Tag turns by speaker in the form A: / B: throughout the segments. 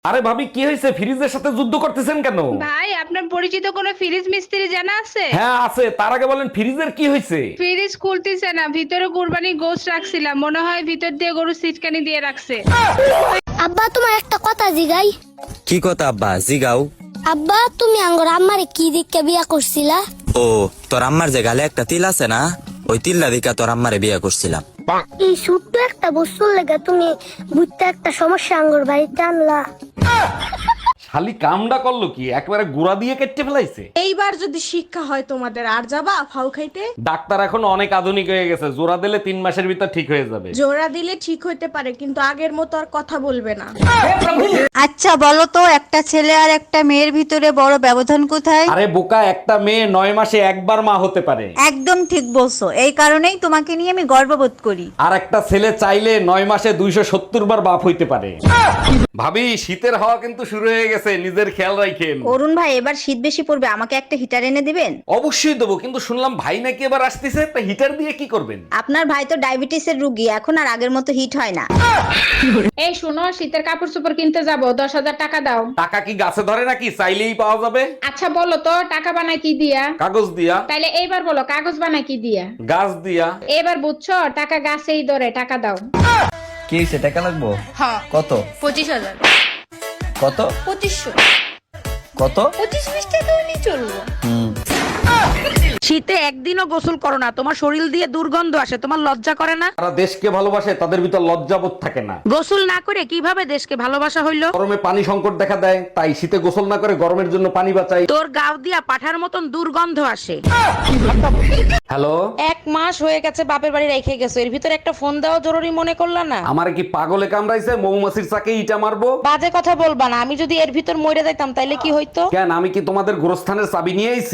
A: আরে ভাবি কি হয়েছে, ফ্রিজের সাথে যুদ্ধ করতেছেন কেন?
B: ভাই, আপনার পরিচিত কোনো ফ্রিজ মিস্ত্রি জানা আছে?
A: হ্যাঁ আছে, তার আগে বলেন ফ্রিজের কি হয়েছে?
B: ফ্রিজ খুলতেছে না, ভিতরে কুরবানি গোশত রাখছিলাম, মনে হয় ভিতর দিয়ে গরু সিটকানি দিয়ে রাখছে।
C: আব্বা তোমার একটা কথা জিগাই।
D: কি কথা আব্বা জিগাও?
C: আব্বা তুমি আঙ্গর আম্মারে কি দিককে বিয়া করছিলা?
D: ও তোর আম্মার যে গালে একটা তিল আছে না, ওই তিল্লা দিকা তোর আম্মারে বিয়ে করছিলাম।
C: এই ছোট্ট একটা বস্তুর লেগে তুমি বুঝতে একটা সমস্যা আঙ্গর বাড়িতে আনলা।
A: শালি কামডা করলো কি, একবারে গুড়া দিয়ে কেটে ফেলাইছে।
E: এইবার যদি শিক্ষা হয় তোমাদের, আর যাবা ফাউ খাইতে?
A: ডাক্তার এখন অনেক আধুনিক হয়ে গেছে, জোড়া দিলে 3 মাসের ভিতর ঠিক হয়ে যাবে।
E: জোড়া দিলে ঠিক হইতে পারে, কিন্তু আগের মতো আর কথা বলবে না।
F: আচ্ছা বলো তো, একটা ছেলে আর একটা মেয়ের ভিতরে বড় ব্যবধান কোথায়?
A: আরে বোকা, একটা মেয়ে 9 মাসে একবার মা হতে পারে।
F: একদম ঠিক বলছো, এই কারণেই তোমাকে নিয়ে আমি গর্ববোধ করি।
A: আর একটা ছেলে চাইলে 9 মাসে 270 বার বাপ হইতে পারে। ভাবি শীতের হাওয়া কিন্তু শুরু হয়ে গেছে, নিজের খেয়াল রাখেন।
F: অরুণ ভাই, এবার শীত বেশি পড়বে, আমাকে একটা হিটার এনে দিবেন?
A: অবশ্যই দেবো, কিন্তু শুনলাম ভাই নাকি এবার আসতেছে, তা হিটার দিয়ে কি করবেন?
F: আপনার ভাই তো ডায়াবেটিসের রুগী, এখন আর আগের মতো হিট হয় না।
B: এই শোনো, শীতের কাপড় চোপড় কিনতে যাবো, 10,000 টাকা দাও।
A: টাকা কি গাছে ধরে নাকি, চাইলেই পাওয়া যাবে?
B: আচ্ছা বলো তো, টাকা বানায় কি দিয়া?
A: কাগজ দিয়া।
B: তাইলে এইবার বলো, কাগজ বানায় কি দিয়া?
A: গাছ দিয়া।
B: এবার বুঝছো, টাকা গাছেই ধরে, টাকা দাও।
D: কি হয়েছে, টাকা লাগবো? কত?
B: 25,000।
D: কত?
B: 2500।
D: কত?
B: 25-20 টাকা হলেই চলবো।
G: শীতে একদিনও গোসল করো না, তোমার শরীর দিয়ে দুর্গন্ধ আসে, তোমার লজ্জা করে না?
A: তারা দেশকে ভালোবাসে, তাদের ভিতর লজ্জাবোধ থাকে না।
G: গোসল না করে কিভাবে দেশকে ভালোবাসা হইলো?
A: গরমে পানি সংকট দেখা দেয়, তাই শীতে গোসল না করে গরমের জন্য পানি বাঁচাই।
G: তোর গাও দিয়া পাঠার মতন দুর্গন্ধ আসে।
A: হ্যালো,
G: 1 মাস হয়ে গেছে বাপের বাড়ি রেখে গেছো, এর ভিতর একটা ফোন দেওয়া জরুরি মনে করলা না?
A: আমারে কি পাগলে কামড়াইছে, মৌমাছির চাকে ইটা মারবো?
G: বাজে কথা বলবা না, আমি যদি এর ভিতর মরে যাইতাম তাইলে কি হইতো?
A: কেন, আমি কি তোমাদের গোরস্থানের চাবি নিয়ে আইছি?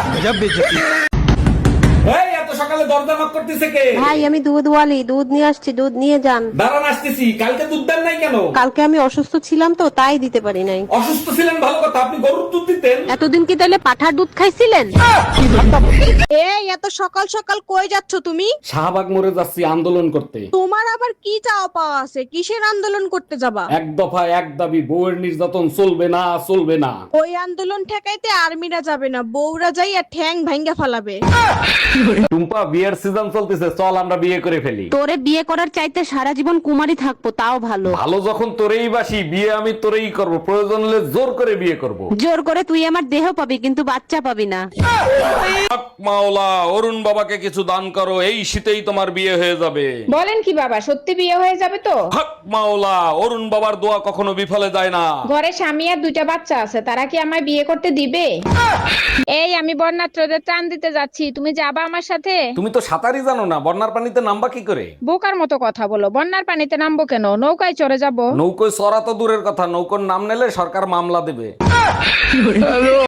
A: এই এত সকালে দরজা knock করতেছে কে?
H: ভাই আমি দুধওয়ালি, দুধ নিয়ে আসছি, দুধ নিয়ে যান।
A: দাঁড়ান আসতেছি। কালকে দুধ দেন নাই কেন?
H: কালকে আমি অসুস্থ ছিলাম তো, তাই দিতে পারি নাই।
A: অসুস্থ ছিলেন ভালো কথা, আপনি গরুর দুধ দিতেন।
H: এতদিন কি তাহলে পাঠার দুধ খাইছিলেন?
E: এই এত সকাল সকাল কই যাচ্ছ তুমি?
A: শাহবাগ মোড়ে যাচ্ছি আন্দোলন করতে।
E: তোমার আবার কি চাওয়া পাওয়া আছে? কিসের আন্দোলন করতে যাবা?
A: এক দফা এক দাবি, বউয়ের নির্যাতন চলবে না, চলবে না।
E: ওই আন্দোলন ঠেকাইতে আর্মিরা যাবে না, বউরা যাই আর ঠ্যাং ভাঙ্গা ফালাবে।
A: টুম্পা, বিয়ের সিজন চলতেছে, চল আমরা বিয়ে করে ফেলি।
H: তোরে বিয়ে করার চাইতে সারা জীবন কুমারী থাকবো তাও ভালো।
A: ভালো যখন তোরেই বাসি, বিয়ে আমি তোরেই করব, প্রয়োজন হলে জোর করে বিয়ে করব।
H: জোর করে তুই আমার দেহ পাবি, কিন্তু বাচ্চা পাবি না।
A: হক মাওলা, অরুণ বাবাকে কিছু দান করো, এই শীতেই তোমার বিয়ে হয়ে যাবে।
B: বলেন কি বাবা, সত্যি বিয়ে হয়ে যাবে তো?
A: হক মাওলা, অরুণ বাবার দোয়া কখনো বিফলে যায় না।
B: ঘরে স্বামী আর 2টা বাচ্চা আছে, তারা কি আমায় বিয়ে করতে দিবে? এই আমি বন্যাত্রদের ত্রাণ দিতে যাচ্ছি, তুমি যাবা আমার সাথে?
A: তুমি তো সাঁতারই জানো না, বন্যার পানিতে নামবা কি করে?
B: বোকার মতো কথা বলো, বন্যার পানিতে নামবো কেন, নৌকায় চড়ে যাব।
A: নৌকোয় চড়া তো দূরের কথা, নৌকোর নাম নিলে সরকার মামলা দেবে।